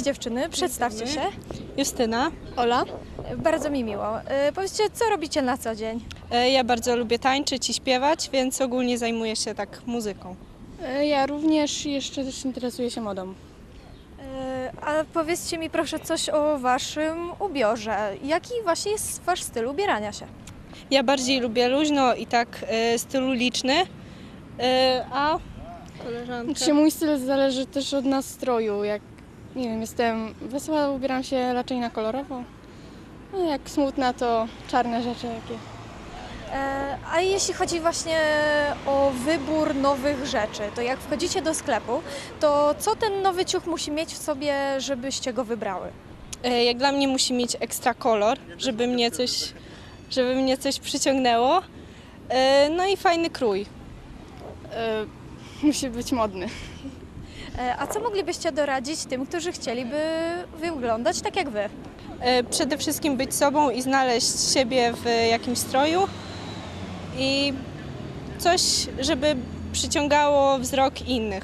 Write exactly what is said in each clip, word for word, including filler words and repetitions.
dziewczyny, przedstawcie się. Justyna. Ola. Bardzo mi miło. E, Powiedzcie, co robicie na co dzień? E, Ja bardzo lubię tańczyć i śpiewać, więc ogólnie zajmuję się tak muzyką. E, Ja również jeszcze też interesuję się modą. E, A powiedzcie mi proszę coś o waszym ubiorze. Jaki właśnie jest wasz styl ubierania się? Ja bardziej lubię luźno i tak e, stylu liczny, e, a koleżanka... Czy mój styl zależy też od nastroju. Jak, nie wiem, jestem wesoła, ubieram się raczej na kolorowo. A jak smutna, to czarne rzeczy jakie. E, A jeśli chodzi właśnie o wybór nowych rzeczy, to jak wchodzicie do sklepu, to co ten nowy ciuch musi mieć w sobie, żebyście go wybrały? E, Jak dla mnie musi mieć ekstra kolor, żeby mnie coś, żeby mnie coś przyciągnęło. E, No i fajny krój. E, musi być modny. E, A co moglibyście doradzić tym, którzy chcieliby wyglądać tak jak wy? E, Przede wszystkim być sobą i znaleźć siebie w jakimś stroju i coś, żeby przyciągało wzrok innych.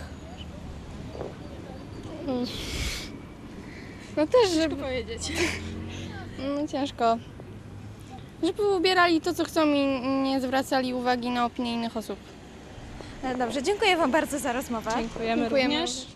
No też, żeby... powiedzieć. No ciężko. Żeby ubierali to, co chcą i nie zwracali uwagi na opinie innych osób. E, Dobrze, dziękuję wam bardzo za rozmowę. Dziękujemy, Dziękujemy. również.